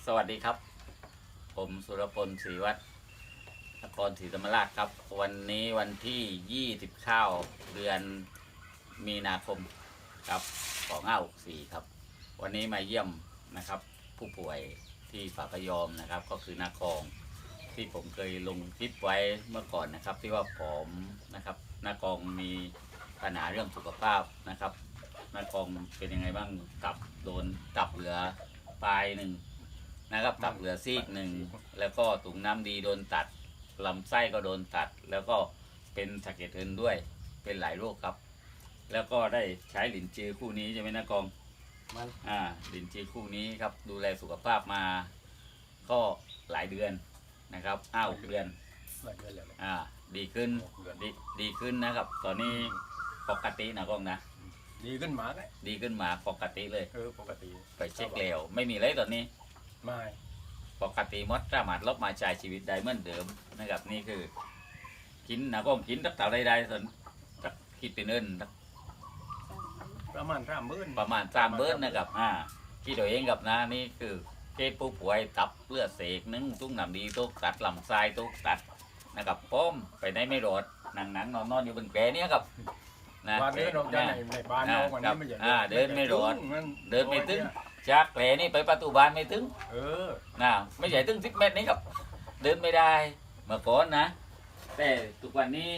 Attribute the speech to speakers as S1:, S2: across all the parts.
S1: สวัสดีครับผมสุรพลศรีวัฒน์นครศรีธรรมราชครับวันนี้วันที่29เดือนมีนาคมครับ2564ครับวันนี้มาเยี่ยมนะครับผู้ป่วยที่ฝากยอมนะครับก็คือนาคองที่ผมเคยลงคลิปไว้เมื่อก่อนนะครับที่ว่าผอมนะครับนากองมีปัญหาเรื่องสุขภาพนะครับนากองเป็นยังไงบ้างตับโดนตับเหลือปลายหนึ่งนะครับตับเหลือซีกหนึ่งแล้วก็ถุงน้ำดีโดนตัดลำไส้ก็โดนตัดแล้วก็เป็นสะเก็ดเงินด้วยเป็นหลายโรคครับแล้วก็ได้ใช้หลินจือคู่นี้ใช่ไหมนะกองมันหลินจือคู่นี้ครับดูแลสุขภาพมาก็หลายเดือนนะครับ6 เดือนแล้วดีขึ้นดีขึ้นนะครับตอนนี้ปกตินะกองนะ
S2: ดีขึ้นหมาเลย
S1: ดีขึ้นหมาปกติเลย
S2: ปกติ
S1: ไปเช็คแล้วไม่มีอะไรตอนนี้
S2: ไม่
S1: ปกติมดสามารถลบมาใช้ชีวิตได้เหมือนเดิมนะครับนี่คือกินนะก็กินตักเต่าได้ส่วนคิดเป็นเงิน
S2: ประมาณ30,000
S1: นะครับคิดตัวเองกับนะนี่คือเคสผู้ป่วยตับเลือดเสกนึ่งตุ้งหนำดีตุกตัดลำไส้ตุกตัดนะครับป้อมไปได้ไม่รอดหนังนอนอยู่บนแกนี้ครับ
S2: นะวันนี้เราจะในบ้านเราวันนี้ไม่ใช่
S1: เดินไม่รอดเดินไม่ถึงจากแผลนี่ไปประตูบ้านไม่ถึงไม่ใช่ถึง10 เมตรนี้ครับเดินไม่ได้เมื่อก่อนนะแต่ทุกวันนี้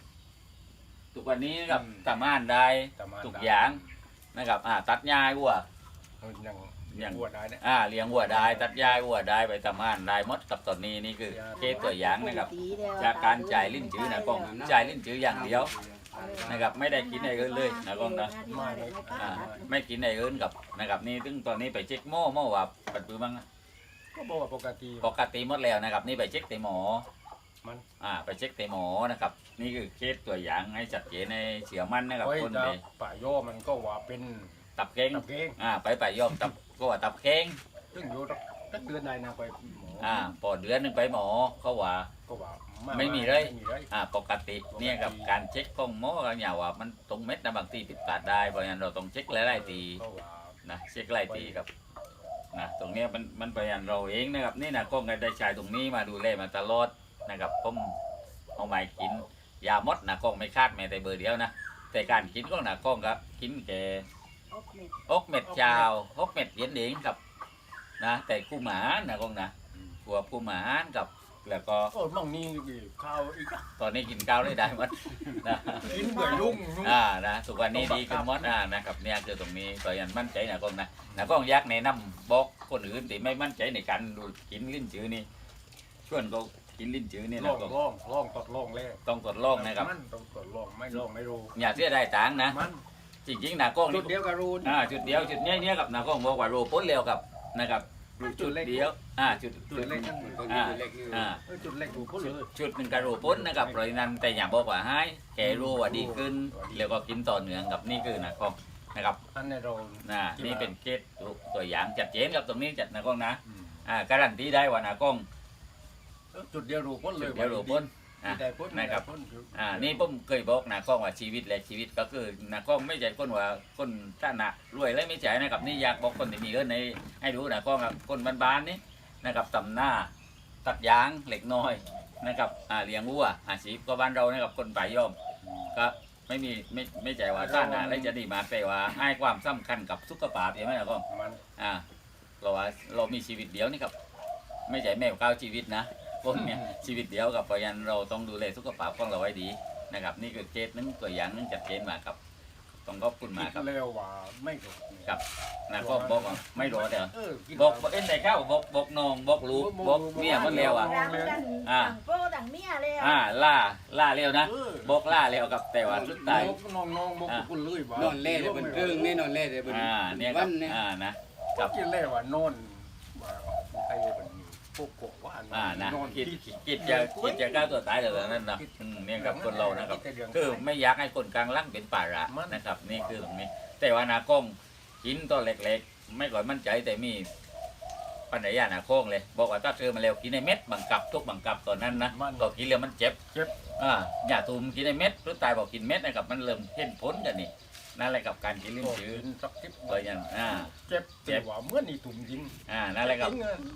S1: กับทำงานได้ทุกอย่างนะครับตัดหญ้าวัว
S2: อย่างวัวได้เนี่ย
S1: เลี้ยงวัวได้ตัดหญ้าวัวได้ไปทำงานได้หมดกับตอนนี้นี่คือเคสตัวอย่างนะครับจากการจ่ายลิ้นจื้อนะกองจ่ายลิ้นจื้ออย่างเดียวนะครับไม่ได้กินอะไรเลยนะกองนะไม่กินอะไรอื่นกับนะครับนี่ถึงตอนนี้ไปเช็คหม้อว่าปัดปื้บ้าง
S2: ก็บอกว่าป
S1: กติหมดแล้วนะครับนี่ไปเช็คเตหมอมันไปเช็คเตหมอนะครับนี่คือเคสตัวอย่างให้จัดเจนในเสียมันนะครับ
S2: คนไปป่าโยมันก็ว่าเป็น
S1: ตับเก้งไปป่าโยตับก็ว่าตับเก้ง
S2: ซึ่งอยู่ตั้งเดือนไหนนะไปหมอ
S1: พอเดือนนึงไปหมอเขาว่าไม่มีเลยปกติเนี่ยกับการเช็คของหมอกันอย่างว่ามันตรงเม็ดนะบางทีผิดพลาดได้เพราะฉะนั้นเราต้องเช็คหลายๆทีนะเช็คหลายทีครับนะตรงนี้มันไปอย่างเราเองนะครับนี่นะก็ได้ใช้ตรงนี้มาดูแลมาตลอดนะครับผมเอาไม้กินยามดนะกล้องไม่คาดแม้แต่เบอร์เดียวนะแต่การกินก็นะกล้องครับกินแก่อกเม็ดชาวอกเม็ดเย็นเองครับนะแต่คู่หมานะกล้องนะกลัวคู่หมากับแล้วก็
S2: มั่งนี่ข้าวอีก
S1: ตอนนี้กินข้าวได้หมดนะ
S2: กินเบื่อยุ่ง
S1: นะทุกวันนี้ดีขึ้นหมดนะครับเนี่ยคือตรงนี้ก็ยังมั่นใจนะกล้องนะกล้องยักษ์ในน้ำบอกคนอื่นที่ไม่มั่นใจในการดูกินลิ้นจือนี่ชวนเขากินลิ้นจือนี่นะ
S2: ก็ลองทดลองเลย
S1: ต้องทดลองนะครับ
S2: ต้องทดลองไม่ลองไม่รู้
S1: อย่าเสียได้ตังค์นะจริงๆนะกล้อง
S2: จุดเดียวกับรูน
S1: จุดเดียวจุดเนี้ยกับนะกล้องบอกว่ารูพ้นเร็วกับนะครับจุดเดียวจุด
S2: เล็กจุดเล็กรูพ้นเลย
S1: จุดหนึ่งกับรูพ้นนะครับเพราะนั้นแต่อย่าบอกว่าให้แกรู้ว่าดีขึ้นแล้วก็กินต่อเนื่องกับนี่คือนะกล้องนะครับนี่เป็นเคสตัวอย่างจัดเจนกับตรงนี้จัดนะกล้องนะการันตีได้ว่านะกล้อง
S2: จุดเดียวรูพ้นเลย
S1: เดียวรูพ้นนะครับนี่ผมเคยบอกนะกล้องว่าชีวิตและชีวิตก็คือนะกล้องไม่ใช่คนว่าคนท่านะรวยเลยไม่ใช่นะครับนี่อยากบอกคนที่มีเงินในให้รู้นะกล้องคนบ้านๆนี่นะครับตำหน้าตัดยางเหล็กน้อยนะครับเลี้ยงวัวอาชีพก็บ้านเรานะครับคนป่ายย่อมก็ไม่ใช่ว่าท่านะแล้วจะดีมาแต่ว่าให้ความสำคัญกับสุขภาพใช่ไหมนะกล้องเราว่าเรามีชีวิตเดียวนี่ครับไม่ใช่แมวก้าวชีวิตนะคนเนี่ยชีวิตเดียวกับเพราะฉะนั้นเราต้องดูแลสุขภาพของเราไว้ดีนะครับนี่คือเคสนึงตัวอย่างนึงจัดเจนมาครับต้องขอบคุณมาครับ
S2: เร็วว่าไม่
S1: ครับนะก็บอกว่าไม่รอเดี๋ยวบอกเอ็นแต่ข้าวบอกน้องบอกลูกบอกเมียมันเร็ว
S3: โปรดังเมียเลย
S1: ล่าเร็วนะบอกล่าเร็วกับแต่ว่าสุดท้าย
S2: น้องบอกคุณเลยว่าน
S4: อนเล่เลยเป็นเรื่องนี่นอนเล่เลยเป็น
S1: เนี่ยครับนะ
S2: กับกินเล่ว่านอนไอ้เป็นพวกกบว่า
S1: นะคิดจะฆ่าตัวตายเลยนั่นนะเนี่ยกับคนเรานะครับคือไม่อยากให้คนกลางล่างเป็นป่าระนะครับนี่คือตรงนี้แต่ว่านากล้องกินตัวเล็กๆไม่ก่อยมั่นใจแต่มีปัญญาหนาโค้งเลยบอกว่าถ้าเธอมาเร็วกินในเม็ดบังคับทุกบังคับตอนนั้นนะก็กินแล้วมันเจ็บอย่าตุ่มกินในเม็ดรู้ตายบอกกินเม็ดนะครับมันเริ่มเห็นผลกันนี่นั่นแหละกับการกินลิ้นจืด
S2: สักทิพย์
S1: เลยยัน
S2: เจ็บว่าเมื่อนี่ตุ่มจริง
S1: นั่นแหละครับ